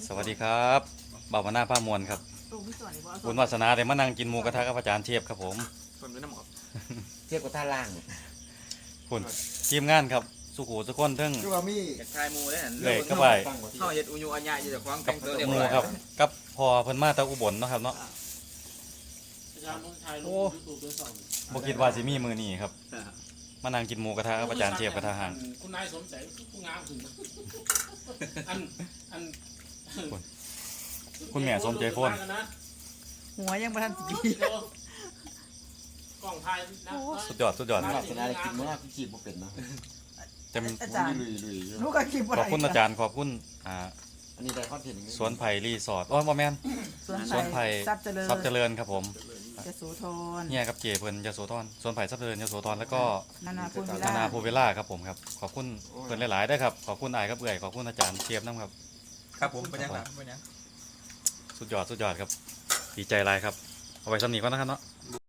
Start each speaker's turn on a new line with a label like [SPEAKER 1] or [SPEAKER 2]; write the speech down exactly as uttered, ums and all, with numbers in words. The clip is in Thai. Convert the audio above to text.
[SPEAKER 1] สวัสดีครับบ่าวมาหน้าผ้ามวลครับบุญวาสนาเดี๋ยวมานั่งกินหมูกระทะกับอาจารย์เทียบครับผม
[SPEAKER 2] คนด้วยน้ำหอม
[SPEAKER 3] เทียบกับท่าล่าง
[SPEAKER 1] คุณทีมงานครับสุขุสุขคนเทั้ง
[SPEAKER 3] คือว่ามี
[SPEAKER 2] อยากทายมูได้หัน
[SPEAKER 1] เลยก็ไป
[SPEAKER 2] เข้าเฮ็ดอุญุอัญญาอยู่แต่ควาง
[SPEAKER 1] กั
[SPEAKER 2] แต่
[SPEAKER 1] บ
[SPEAKER 2] งตัวเรียบ
[SPEAKER 1] หมู
[SPEAKER 2] ร้อย
[SPEAKER 1] ครับกับพอเพิ่นมาตะอุบลเนาะครับเนาะโอ้บ่คิดว่าสิมีมือนี้ครับมานั่งกินหมูกระทะกับอาจารย์เทียบกระทะห่าง
[SPEAKER 4] คุณนายสมใจผู้งามถึงอันอัน
[SPEAKER 1] คุณแม่สมใจโฟน
[SPEAKER 5] หัวยังไม่ทันปี
[SPEAKER 4] กล่องไทยนะ
[SPEAKER 1] สุดยอดสุดยอด
[SPEAKER 3] ห
[SPEAKER 1] ค
[SPEAKER 3] ลั
[SPEAKER 1] รั
[SPEAKER 3] บบ สนาได้กินมากขีดบ่เป็นเนาะ
[SPEAKER 1] เต็ม
[SPEAKER 5] อาจารย์
[SPEAKER 3] ลุยลุยอยู่
[SPEAKER 5] ลูกก็คิดว่า
[SPEAKER 1] ขอบคุณอาจารย์ขอบคุณอ่า
[SPEAKER 3] อันนี้ได้คอนเทนต์
[SPEAKER 1] สวนไผ่รีสอร์ทโอ้ยบ่แม่น
[SPEAKER 5] สวน
[SPEAKER 1] สวนไผ่
[SPEAKER 5] ทรัพย์เจริญ
[SPEAKER 1] ทรัพย์เจริญครับผม
[SPEAKER 5] จะโสธร
[SPEAKER 1] เนี่ยครับเจเพิ่นยโสธรสวนไผ่ทรัพย์เจริญยโสธรแล้วก็
[SPEAKER 5] นานาพูนวิล
[SPEAKER 1] นานา
[SPEAKER 5] ล่า
[SPEAKER 1] โพเวล่าครับผมครับขอบคุณเพื่อนหลายๆด้วยครับขอบคุณอายครับเอื่อยขอบคุณอาจารย์เทียบน้ำครับ
[SPEAKER 2] ครับผมเป็นยังครับเป็นยัง
[SPEAKER 1] สุดยอดสุดยอดครับดีใจหลายครับเอาไว้สำนีก่อนนะครับเนาะ